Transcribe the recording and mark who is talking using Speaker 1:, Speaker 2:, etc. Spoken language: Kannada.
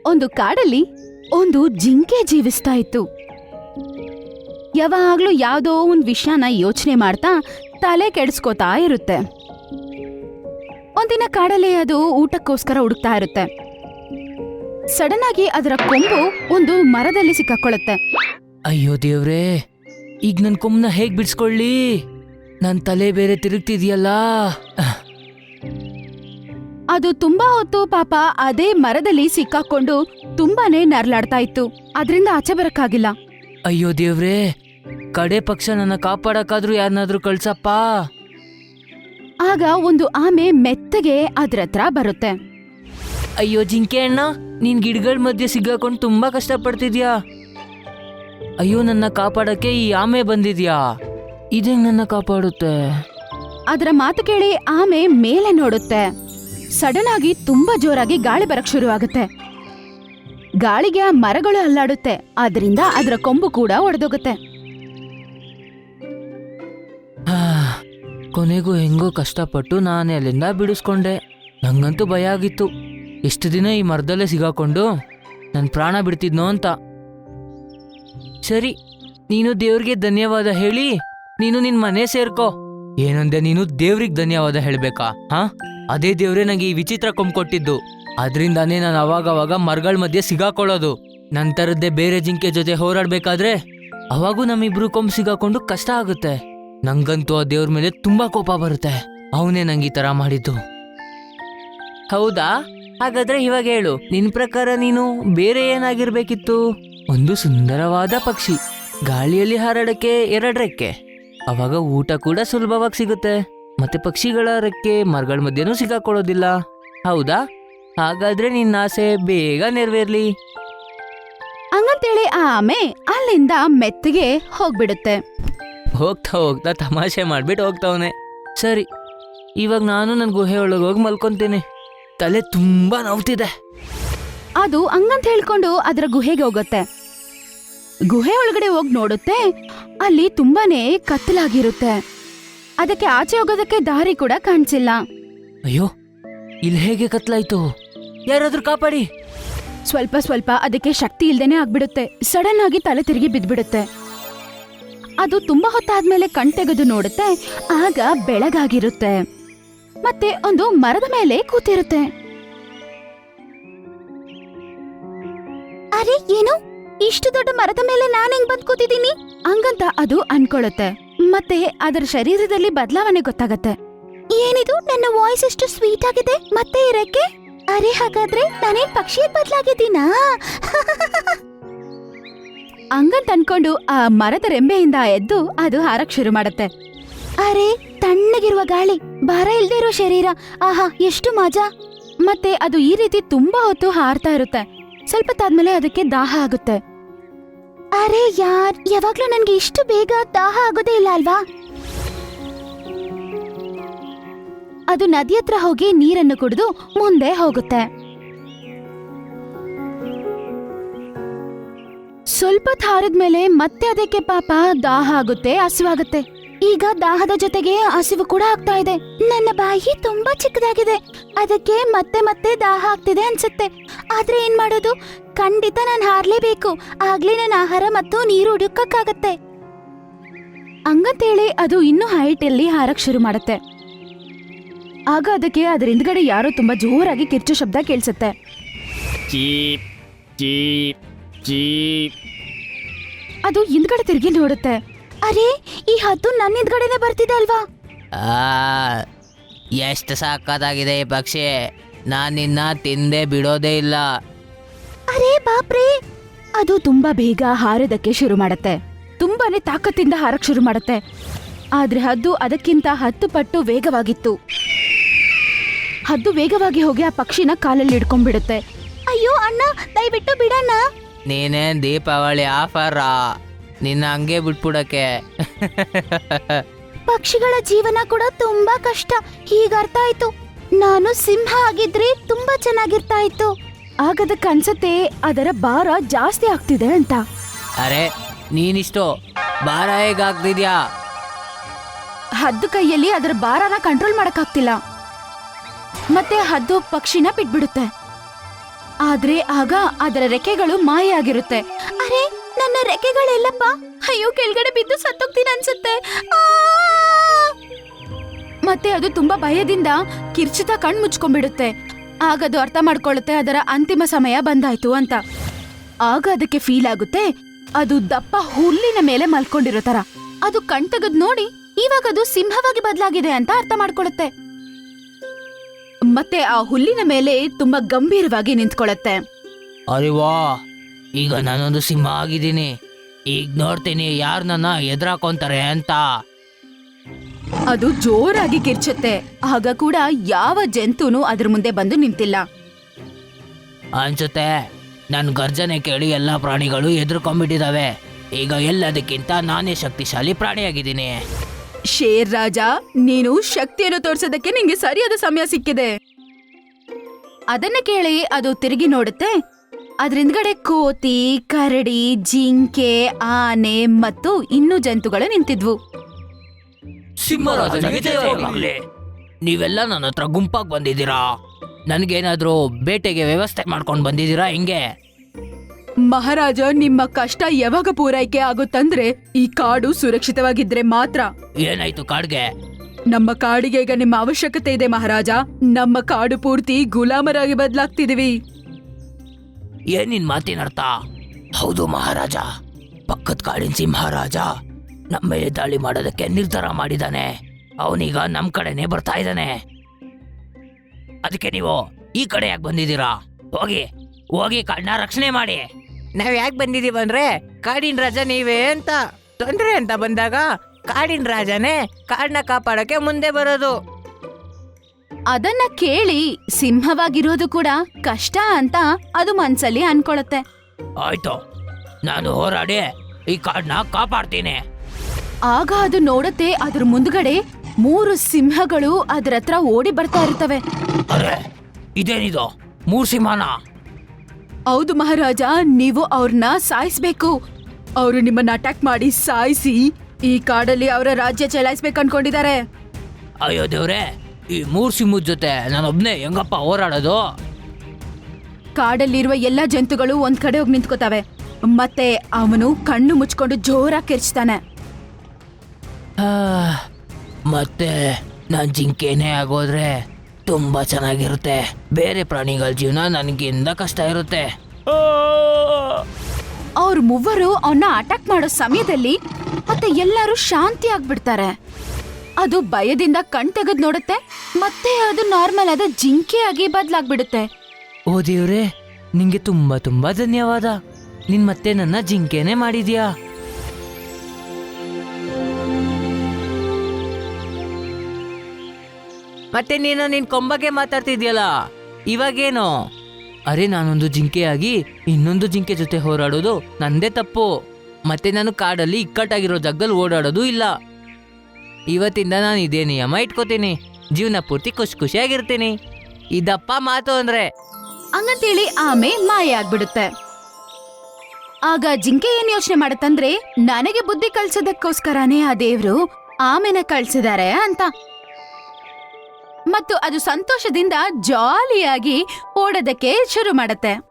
Speaker 1: ಒಂದು ಕಾಡಲ್ಲಿ ಒಂದು ಜಿಂಕೆ ಜೀವಿಸ್ತಾ ಇತ್ತು. ಯಾವಾಗ್ಲೂ ಯಾವ್ದೋ ಒಂದ್ ವಿಷಯನ ಯೋಚನೆ ಮಾಡ್ತಾ ತಲೆ ಕೆಡಿಸ್ಕೋತಾ ಇರುತ್ತೆ. ಒಂದಿನ ಕಾಡಲ್ಲಿ ಅದು ಊಟಕ್ಕೋಸ್ಕರ ಹುಡುಕ್ತಾ ಇರುತ್ತೆ. ಸಡನ್ ಆಗಿ ಅದರ ಕೊಂಬು ಒಂದು ಮರದಲ್ಲಿ ಸಿಕ್ಕಾಕೊಳ್ಳುತ್ತೆ.
Speaker 2: ಅಯ್ಯೋ ದೇವ್ರೇ, ಈಗ ನನ್ ಕೊಂಬನ ಹೇಗ್ ಬಿಡ್ಸ್ಕೊಳ್ಳಿ? ನನ್ ತಲೆ ಬೇರೆ ತಿರುಗ್ತಿದ್ಯಲ್ಲ.
Speaker 1: ಅದು ತುಂಬಾ ಹೊತ್ತು ಪಾಪ ಅದೇ ಮರದಲ್ಲಿ ಸಿಕ್ಕಾಕೊಂಡು ತುಂಬಾನೇ ನರ್ಲಾಡ್ತಾ ಇತ್ತು. ಅದ್ರಿಂದ ಆಚೆ ಬರಕ್ಕಾಗಿಲ್ಲ.
Speaker 2: ಅಯ್ಯೋ ದೇವ್ರೇ, ಕಡೆ ಪಕ್ಷ ನನ್ನ ಕಾಪಾಡಕ್ಕಾದ್ರೂ ಯಾರನ್ನಾದ್ರೂ ಕಳ್ಸಪ್ಪ.
Speaker 1: ಆಗ ಒಂದು ಆಮೆ ಮೆತ್ತಗೆ ಅದ್ರ ಹತ್ರ ಬರುತ್ತೆ.
Speaker 2: ಅಯ್ಯೋ ಜಿಂಕೆ ಅಣ್ಣ, ನೀನ್ ಗಿಡಗಳ ಮಧ್ಯೆ ಸಿಗಾಕೊಂಡು ತುಂಬಾ ಕಷ್ಟ ಪಡ್ತಿದ್ಯಾ. ಅಯ್ಯೋ, ನನ್ನ ಕಾಪಾಡಕ್ಕೆ ಈ ಆಮೆ ಬಂದಿದ್ಯಾ. ಇದೇಂಗ್ ನನ್ನ ಕಾಪಾಡುತ್ತೆ?
Speaker 1: ಅದರ ಮಾತು ಕೇಳಿ ಆಮೆ ಮೇಲೆ ನೋಡುತ್ತೆ. ಸಡನ್ ಆಗಿ ತುಂಬಾ ಜೋರಾಗಿ ಗಾಳಿ ಬರಕ್ ಶುರು ಆಗುತ್ತೆ. ಗಾಳಿಗೆ ಆ ಮರಗಳು ಅಲ್ಲಾಡುತ್ತೆ. ಅದರಿಂದ ಅದರ ಕೊಂಬು ಕೂಡ ಒಡೆದೋಗುತ್ತೆ.
Speaker 2: ಕೊನೆಗೂ ಹೆಂಗೋ ಕಷ್ಟಪಟ್ಟು ನಾನೇ ಅಲ್ಲಿಂದ ಬಿಡಿಸ್ಕೊಂಡೆ. ನಂಗಂತೂ ಭಯ ಆಗಿತ್ತು, ಎಷ್ಟು ದಿನ ಈ ಮರದಲ್ಲೇ ಸಿಗಾಕೊಂಡು ನನ್ನ ಪ್ರಾಣ ಬಿಡ್ತಿದ್ನೋ ಅಂತ. ಸರಿ, ನೀನು ದೇವ್ರಿಗೆ ಧನ್ಯವಾದ ಹೇಳಿ ನೀನು ನಿನ್ ಮನೆ ಸೇರ್ಕೋ. ಏನಂದೆ ನೀನು? ದೇವ್ರಿಗೆ ಧನ್ಯವಾದ ಹೇಳ್ಬೇಕಾ? ಹಾ, ಅದೇ ದೇವ್ರೇ ನಂಗೆ ಈ ವಿಚಿತ್ರ ಕೊಂಬ್ ಕೊಟ್ಟಿದ್ದು. ಅದ್ರಿಂದಾನೇ ನಾನು ಅವಾಗವಾಗ ಮರಗಳ ಮಧ್ಯೆ ಸಿಗಾಕೊಳ್ಳೋದು. ನಂತರದ್ದೇ ಬೇರೆ ಜಿಂಕೆ ಜೊತೆ ಹೋರಾಡ್ಬೇಕಾದ್ರೆ ಅವಾಗೂ ನಮ್ಮಿಬ್ರು ಕೊಂಬ್ ಸಿಗಾಕೊಂಡು ಕಷ್ಟ ಆಗುತ್ತೆ. ನಂಗಂತೂ ಆ ದೇವ್ರ ಮೇಲೆ ತುಂಬಾ ಕೋಪ ಬರುತ್ತೆ. ಅವನೇ ನಂಗೆ ಈ ತರ ಮಾಡಿದ್ದು. ಹೌದಾ? ಹಾಗಾದ್ರೆ ಇವಾಗ ಹೇಳು, ನಿನ್ ಪ್ರಕಾರ ನೀನು ಬೇರೆ ಏನಾಗಿರ್ಬೇಕಿತ್ತು? ಒಂದು ಸುಂದರವಾದ ಪಕ್ಷಿ, ಗಾಳಿಯಲ್ಲಿ ಹಾರಾಡಕ್ಕೆ 2 ರೆಕ್ಕೆ, ಅವಾಗ ಊಟ ಕೂಡ ಸುಲಭವಾಗಿ ಸಿಗುತ್ತೆ. ಮತ್ತೆ ಪಕ್ಷಿಗಳ ರೆಕ್ಕೆ ಮರಗಳ ಮಧ್ಯೆನೂ ಸಿಗಾಕೊಳ್ಳೋದಿಲ್ಲ. ಹೌದಾ? ಹಾಗಾದ್ರೆ ನಿನ್ನ ಆಸೆ ಬೇಗ ನೆರವೇರ್ಲಿ.
Speaker 1: ಹಂಗಂತೇಳಿ ಆ ಆಮೆ ಅಲ್ಲಿಂದ ಮೆತ್ತಗೆ ಹೋಗ್ಬಿಡುತ್ತೆ.
Speaker 2: ಹೋಗ್ತಾ ಹೋಗ್ತಾ ತಮಾಷೆ ಮಾಡ್ಬಿಟ್ಟು ಹೋಗ್ತಾವನೆ. ಸರಿ, ಇವಾಗ ನಾನು ನನ್ನ ಗುಹೆ ಒಳಗೆ ಹೋಗಿ ಮಲ್ಕೊಂತೀನಿ. ತಲೆ ತುಂಬಾ ನೋವ್ತಿದೆ.
Speaker 1: ಅದು ಹಂಗಂತ ಹೇಳ್ಕೊಂಡು ಅದರ ಗುಹೆಗೆ ಹೋಗುತ್ತೆ. ಗುಹೆ ಒಳಗಡೆ ಹೋಗಿ ನೋಡುತ್ತೆ. ಅಲ್ಲಿ ತುಂಬಾನೇ ಕತ್ತಲಾಗಿರುತ್ತೆ. ಅದಕ್ಕೆ ಆಚೆ ಹೋಗೋದಕ್ಕೆ ದಾರಿ ಕೂಡ ಕಾಣಿಸಿಲ್ಲ.
Speaker 2: ಅಯ್ಯೋ, ಇಲ್ಲಿ ಹೇಗೆ ಕತ್ಲಾಯ್ತು? ಯಾರಾದ್ರೂ ಕಾಪಾಡಿ.
Speaker 1: ಸ್ವಲ್ಪ ಸ್ವಲ್ಪ ಅದಕ್ಕೆ ಶಕ್ತಿ ಇಲ್ದೇನೆ ಆಗ್ಬಿಡುತ್ತೆ. ಸಡನ್ ಆಗಿ ತಲೆ ತಿರುಗಿ ಬಿದ್ಬಿಡುತ್ತೆ. ಅದು ತುಂಬಾ ಹೊತ್ತಾದ್ಮೇಲೆ ಕಣ್ತೆಗೆದು ನೋಡುತ್ತೆ. ಆಗ ಬೆಳಗಾಗಿರುತ್ತೆ. ಮತ್ತೆ ಒಂದು ಮರದ ಮೇಲೆ ಕೂತಿರುತ್ತೆ. ಅರೆ, ಏನು ಇಷ್ಟು ದೊಡ್ಡ ಮರದ ಮೇಲೆ ನಾನು ಹೆಂಗ್ ಬಂದ್ ಕೂತಿದ್ದೀನಿ ಹಂಗಂತ ಅದು ಅನ್ಕೊಳ್ಳುತ್ತೆ. ಮತ್ತೆ ಅದರ ಶರೀರದಲ್ಲಿ ಬದಲಾವಣೆ ಗೊತ್ತಾಗತ್ತೆ. ಏನಿದು, ನನ್ನ ವಾಯ್ಸ್ ಎಷ್ಟು ಸ್ವೀಟ್ ಆಗಿದೆ, ಮತ್ತೆ ಇರಕ್ಕೆ. ಅರೆ, ಹಾಗಾದ್ರೆ ನಾನೇನ್ ಪಕ್ಷಿಯಾಗಿ ಬದಲಾಗಿದ್ದೀನಾ? ಹಂಗಂತ ಅನ್ಕೊಂಡು ಆ ಮರದ ರೆಂಬೆಯಿಂದ ಎದ್ದು ಅದು ಹಾರಕ್ ಶುರು ಮಾಡತ್ತೆ. ಅರೆ, ತಣ್ಣಗಿರುವ ಗಾಳಿ, ಭಾರ ಇಲ್ದೇ ಇರೋ ಶರೀರ, ಆಹಾ ಎಷ್ಟು ಮಜಾ. ಮತ್ತೆ ಅದು ಈ ರೀತಿ ತುಂಬಾ ಹೊತ್ತು ಹಾರ್ತಾ ಇರುತ್ತೆ. ಸ್ವಲ್ಪ ತಾದ್ಮೇಲೆ ಅದಕ್ಕೆ ದಾಹ ಆಗುತ್ತೆ. ಅರೆ ಯಾರ್, ಯಾವಾಗ್ಲೂ ನನ್ಗೆ ಇಷ್ಟು ಬೇಗ ದಾಹ ಆಗೋದೇ ಇಲ್ಲ ಅಲ್ವಾ? ಅದು ನದಿ ಹತ್ರ ಹೋಗಿ ನೀರನ್ನು ಕುಡಿದು ಮುಂದೆ ಹೋಗುತ್ತೆ. ಸ್ವಲ್ಪ ಹಾರಿದ್ಮೇಲೆ ಮತ್ತೆ ಅದಕ್ಕೆ ಪಾಪ ದಾಹ ಆಗುತ್ತೆ, ಹಸಿವಾಗುತ್ತೆ. ಈಗ ದಾಹದ ಜೊತೆಗೆ ಹಸಿವು ಕೂಡ ಆಗ್ತಾ ಇದೆ. ನನ್ನ ಬಾಯಿ ತುಂಬಾ ಚಿಕ್ಕದಾಗಿದೆ, ಅದಕ್ಕೆ ಮತ್ತೆ ಮತ್ತೆ ದಾಹ ಆಗ್ತಿದೆ ಅನ್ಸುತ್ತೆ. ಆದ್ರೆ ಏನ್ ಮಾಡೋದು? ಖಂಡಿತ ನಾನು ಹಾರ್ಲೇಬೇಕು, ಆಗ್ಲೇ ನನ್ನ ಆಹಾರ ಮತ್ತು ನೀರು ಹುಡುಕಕ್ಕಾಗತ್ತೆ. ಹಂಗಂತೇಳಿ ಅದು ಇನ್ನೂ ಹೈಟ್ ಅಲ್ಲಿ ಹಾರಕ್ ಶುರು ಮಾಡುತ್ತೆ. ಆಗ ಅದಕ್ಕೆ ಅದರ ಹಿಂದ್ಗಡೆ ಯಾರೋ ತುಂಬಾ ಜೋರಾಗಿ ಕಿರ್ಚೋ ಶಬ್ದ ಕೇಳಿಸುತ್ತೆ.
Speaker 2: Cheap cheap cheap.
Speaker 1: ಅದು ಹಿಂದ್ಗಡೆ ತಿರುಗಿ ನೋಡುತ್ತೆ. ಅರೆ, ಈ ಹದ್ದು ನನ್ನ ಹಿಂದ್ಗಡೆನೆ ಬರ್ತಿದೆ ಅಲ್ವಾ?
Speaker 2: ಎಷ್ಟು ಸಾಕಾಗಿದೆ ಈ ಪಕ್ಷಿ, ನಾನ್ ನಿನ್ನ ತಿಂದೆ ಬಿಡೋದೇ ಇಲ್ಲ.
Speaker 1: ಅರೆ ಬಾಪ್ರೇ! ಅದು ತುಂಬಾ ಬೇಗ ಹಾರೋದಕ್ಕೆ ಶುರು ಮಾಡತ್ತೆ. ತುಂಬಾನೇ ತಾಕತ್ತಿಂದ ಹಾರಕ್ ಶುರು ಮಾಡತ್ತೆ. ಆದ್ರೆ ಹದ್ದು ಅದಕ್ಕಿಂತ 10 ಪಟ್ಟು ವೇಗವಾಗಿತ್ತು. ಹದ್ದು ವೇಗವಾಗಿ ಹೋಗಿ ಆ ಪಕ್ಷಿನ ಕಾಲಲ್ಲಿ ಹಿಡ್ಕೊಂಡ್ಬಿಡುತ್ತೆ. ಅಯ್ಯೋ ಅಣ್ಣ, ದಯವಿಟ್ಟು ಬಿಡಣ್ಣ.
Speaker 2: ನೀನೇನ್ ದೀಪಾವಳಿ ಆಫರಾ? ನಿನ್ನ ಹಂಗೆ ಬಿಟ್ಬಿಡಕ್ಕೆ.
Speaker 1: ಪಕ್ಷಿಗಳ ಜೀವನ ಕೂಡ ತುಂಬಾ ಕಷ್ಟ, ಈಗ ಅರ್ಥ ಆಯ್ತು. ನಾನು ಸಿಂಹ ಆಗಿದ್ರೆ ತುಂಬಾ ಚೆನ್ನಾಗಿರ್ತಾ ಇತ್ತು. ಆಗದಕ್ಕೆ ಅನ್ಸತ್ತೆ ಅದರ ಭಾರ ಜಾಸ್ತಿ ಆಗ್ತಿದೆ ಅಂತ.
Speaker 2: ಅರೆ, ನೀನಿಷ್ಟು ಭಾರ ಹೇಗಾಗ್ತಿದ್ಯಾ?
Speaker 1: ಹದ್ದು ಕೈಯಲ್ಲಿ ಅದರ ಭಾರನ ಕಂಟ್ರೋಲ್ ಮಾಡಕ್ಕಾಗ್ತಿಲ್ಲ. ಮತ್ತೆ ಹದ್ದು ಪಕ್ಷಿನ ಬಿಟ್ಬಿಡುತ್ತೆ. ಆದ್ರೆ ಆಗ ಅದರ ರೆಕ್ಕೆಗಳು ಮಾಯ ಆಗಿರುತ್ತೆ. ಅರೆ, ನನ್ನ ರೆಕ್ಕೆಗಳೆಲ್ಲಪ್ಪ? ಅಯ್ಯೋ, ಕೆಳಗಡೆ ಬಿದ್ದು ಸತ್ತೋಗ್ತೀನಿ ಅನ್ಸುತ್ತೆ. ಆ! ಮತ್ತೆ ಅದು ತುಂಬಾ ಭಯದಿಂದ ಕಿರ್ಚಿತ ಕಣ್ ಮುಚ್ಕೊಂಡ್ಬಿಡುತ್ತೆ. ಆಗ ಅದು ಅರ್ಥ ಮಾಡ್ಕೊಳ್ಳುತ್ತೆ ಅದರ ಅಂತಿಮ ಸಮಯ ಬಂದಾಯ್ತು ಅಂತ. ಆಗ ಅದಕ್ಕೆ ಫೀಲ್ ಆಗುತ್ತೆ ಅದು ದಪ್ಪ ಹುಲ್ಲಿನ ಮೇಲೆ ಮಲ್ಕೊಂಡಿರೋ ತರ. ಅದು ಕಣ್ ತೆಗೆದ್ ನೋಡಿ ಇವಾಗ ಅದು ಸಿಂಹವಾಗಿ ಬದಲಾಗಿದೆ ಅಂತ ಅರ್ಥ ಮಾಡ್ಕೊಳ್ಳುತ್ತೆ. ಮತ್ತೆ ಆ ಹುಲ್ಲಿನ ಮೇಲೆ ತುಂಬಾ ಗಂಭೀರವಾಗಿ ನಿಂತ್ಕೊಳ್ಳುತ್ತೆ.
Speaker 2: ಅರೆ ವಾ, ಈಗ ನಾನೊಂದು ಸಿಂಹ ಆಗಿದ್ದೀನಿ. ಈಗ ನೋಡ್ತೀನಿ ಯಾರು ನನ್ನ ಎದುರಾಕೊಂತಾರೆ ಅಂತ.
Speaker 1: ಅದು ಜೋರಾಗಿ ಕಿರ್ಚುತ್ತೆ. ಆಗ ಕೂಡ ಯಾವ ಜಂತುನೂ ಅದ್ರ ಮುಂದೆ ಬಂದು ನಿಂತಿಲ್ಲ.
Speaker 2: ಅನ್ಸುತ್ತೆ ನನ್ನ ಗರ್ಜನೆ ಕೇಳಿ ಎಲ್ಲ ಪ್ರಾಣಿಗಳು ಎದುರ್ಕೊಂಡ್ಬಿಟ್ಟಿದಾವೆ. ಈಗ ಎಲ್ಲದಕ್ಕಿಂತ ನಾನೇ ಶಕ್ತಿಶಾಲಿ ಪ್ರಾಣಿಯಾಗಿದ್ದೀನಿ.
Speaker 1: ಶೇರ್ ರಾಜ, ನೀನು ಶಕ್ತಿಯನ್ನು ತೋರ್ಸೋದಕ್ಕೆ ನಿಂಗೆ ಸರಿಯಾದ ಸಮಯ ಸಿಕ್ಕಿದೆ. ಅದನ್ನ ಕೇಳಿ ಅದು ತಿರುಗಿ ನೋಡುತ್ತೆ. ಅದ್ರಿಂದ್ಗಡೆ ಕೋತಿ, ಕರಡಿ, ಜಿಂಕೆ, ಆನೆ ಮತ್ತು ಇನ್ನೂ ಜಂತುಗಳು ನಿಂತಿದ್ವು.
Speaker 2: ಸಿಂಹರಾಜನಿಗೆ ಜಯವಾಗಲಿ. ನೀವೆಲ್ಲ ನನ್ನ ಹತ್ರ ಗುಂಪಾಗಿ ಬಂದಿದ್ದೀರಾ. ನನಗೇನಾದ್ರೂ ಬೇಟೆಗೆ ವ್ಯವಸ್ಥೆ ಮಾಡ್ಕೊಂಡು ಬಂದಿದ್ದೀರಾ ಹೆಂಗೆ?
Speaker 1: ಮಹಾರಾಜ, ನಿಮ್ಮ ಕಷ್ಟ ಯಾವಾಗ ಪೂರೈಕೆ ಆಗುತ್ತಂದ್ರೆ ಈ ಕಾಡು ಸುರಕ್ಷಿತವಾಗಿದ್ರೆ ಮಾತ್ರ.
Speaker 2: ಏನಾಯ್ತು ಕಾಡ್ಗೆ?
Speaker 1: ನಮ್ಮ ಕಾಡಿಗೆ ಈಗ ನಿಮ್ಮ ಅವಶ್ಯಕತೆ ಇದೆ ಮಹಾರಾಜ. ನಮ್ಮ ಕಾಡು ಪೂರ್ತಿ ಗುಲಾಮರಾಗಿ ಬದಲಾಗ್ತಿದೀವಿ.
Speaker 2: ಏನಿನ್ ಮಾತಿನ ಅರ್ಥ? ಹೌದು ಮಹಾರಾಜ, ಪಕ್ಕದ ಕಾಡಿನ ಸಿಂಹರಾಜ ನಮ್ಮ ಮೇಲೆ ದಾಳಿ ಮಾಡೋದಕ್ಕೆ ನಿರ್ಧಾರ ಮಾಡಿದಾನೆ. ಅವನೀಗ ನಮ್ ಕಡೆನೆ ಬರ್ತಾ ಇದ್ದಾನೆ. ಅದಕ್ಕೆ ನೀವು ಈ ಕಡೆ ಯಾಕೆ ಬಂದಿದ್ದೀರಾ? ಹೋಗಿ ಹೋಗಿ ಕಾಡನ್ನ ರಕ್ಷಣೆ ಮಾಡಿ.
Speaker 3: ನಾವ್ ಯಾಕೆ ಬಂದಿದೀವಿ ಅಂದ್ರೆ ಕಾಡಿನ ರಾಜ ನೀವೇ ಅಂತ. ತೊಂದ್ರೆ ಅಂತ ಬಂದಾಗ ಕಾಡಿನ ರಾಜನೇ ಕಾಡನ್ನ ಕಾಪಾಡಕ್ಕೆ ಮುಂದೆ ಬರೋದು.
Speaker 1: ಅದನ್ನ ಕೇಳಿ ಸಿಂಹವಾಗಿರೋದು ಕೂಡ ಕಷ್ಟ ಅಂತ ಅದು ಮನ್ಸಲ್ಲಿ ಅನ್ಕೊಳತ್ತೆ.
Speaker 2: ಆಯ್ತು, ನಾನು ಹೋರಾಡಿ ಈ ಕಾಡನ್ನ ಕಾಪಾಡ್ತೀನಿ.
Speaker 1: ಆಗ ಅದು ನೋಡತ್ತೆ ಅದ್ರ ಮುಂದ್ಗಡೆ 3 ಸಿಂಹಗಳು ಅದ್ರ ಹತ್ರ ಓಡಿ ಬರ್ತಾ ಇರ್ತವೆ.
Speaker 2: ಅರೆ, ಇದೇನಿದು 3 ಸಿಂಹನ?
Speaker 1: ಹೌದು ಮಹಾರಾಜ, ನೀವು ಅವ್ರನ್ನ ಸಾಯಿಸ್ಬೇಕು. ಅವರು ನಿಮ್ಮನ್ನ ಅಟ್ಯಾಕ್ ಮಾಡಿ ಸಾಯಿಸಿ ಈ ಕಾಡಲ್ಲಿ ಅವರ ರಾಜ್ಯ ಚಲಾಯಿಸ್ಬೇಕು ಅನ್ಕೊಂಡಿದ್ದಾರೆ.
Speaker 2: ಅಯ್ಯೋ ದೇವ್ರೆ, ಈ 3 ಸಿಂಹದ ಜೊತೆ ನಾನೊಬ್ನೇ ಹೆಂಗಪ್ಪ ಹೋರಾಡೋದು?
Speaker 1: ಕಾಡಲ್ಲಿರುವ ಎಲ್ಲಾ ಜಂತುಗಳು ಒಂದ್ ಕಡೆ ಹೋಗಿ ನಿಂತ್ಕೋತಾವೆ. ಮತ್ತೆ ಅವನು ಕಣ್ಣು ಮುಚ್ಕೊಂಡು ಜೋರಾಗಿ ಕಿರ್ಚ್ತಾನೆ.
Speaker 2: ಮತ್ತೆ ನಾನ್ ಜಿಂಕೆನೇ ಆಗೋದ್ರೆ ತುಂಬಾ ಚೆನ್ನಾಗಿರುತ್ತೆ. ಬೇರೆ ಪ್ರಾಣಿಗಳ ಜೀವನ ನನಗಿಂದ ಕಷ್ಟ ಇರುತ್ತೆ.
Speaker 1: ಅವ್ರ ಮೂವರು ಅವನ್ನ ಅಟ್ಯಾಕ್ ಮಾಡೋ ಸಮಯದಲ್ಲಿ ಮತ್ತೆ ಎಲ್ಲರೂ ಶಾಂತಿ ಆಗ್ಬಿಡ್ತಾರೆ. ಅದು ಭಯದಿಂದ ಕಣ್ ತೆಗೆದ್ ನೋಡುತ್ತೆ. ಮತ್ತೆ ಅದು ನಾರ್ಮಲ್ ಆದ ಜಿಂಕೆಯಾಗಿ ಬದಲಾಗ್ಬಿಡುತ್ತೆ.
Speaker 2: ಓ ದೇವ್ರೆ, ನಿಂಗೆ ತುಂಬಾ ತುಂಬಾ ಧನ್ಯವಾದ. ನಿನ್ ಮತ್ತೆ ನನ್ನ ಜಿಂಕೆನೇ ಮಾಡಿದ್ಯಾ.
Speaker 3: ಮತ್ತೆ ನೀನು ನಿನ್ ಕೊಂಬಗೆ ಮಾತಾಡ್ತಿದ್ಯಲ್ಲ, ಇವಾಗೇನು?
Speaker 2: ಅರೆ, ನಾನೊಂದು ಜಿಂಕೆಯಾಗಿ ಇನ್ನೊಂದು ಜಿಂಕೆ ಜೊತೆ ಹೋರಾಡೋದು ನಂದೇ ತಪ್ಪು. ಮತ್ತೆ ನಾನು ಕಾಡಲ್ಲಿ ಇಕ್ಕಟ್ಟಾಗಿರೋ ಜಾಗದಲ್ಲಿ ಓಡಾಡೋದು ಇಲ್ಲ. ಇವತ್ತಿಂದ ನಾನು ಇದೇ ನಿಯಮ ಇಟ್ಕೋತೀನಿ. ಜೀವನ ಪೂರ್ತಿ ಖುಷಿಯಾಗಿರ್ತೀನಿ.
Speaker 3: ಇದಪ್ಪ ಮಾತು ಅಂದ್ರೆ.
Speaker 1: ಹಂಗಂತೇಳಿ ಆಮೆ ಮಾಯ ಆಗ್ಬಿಡುತ್ತೆ. ಆಗ ಜಿಂಕೆ ಏನ್ ಯೋಚನೆ ಮಾಡತ್ತಂದ್ರೆ, ನನಗೆ ಬುದ್ಧಿ ಕಳ್ಸೋದಕ್ಕೋಸ್ಕರನೇ ಆ ದೇವ್ರು ಆಮೆನ ಕಳ್ಸಿದ್ದಾರೆ ಅಂತ. ಮತ್ತು ಅದು ಸಂತೋಷದಿಂದ ಜಾಲಿಯಾಗಿ ಓಡೋದಕ್ಕೆ ಶುರು ಮಾಡತ್ತೆ.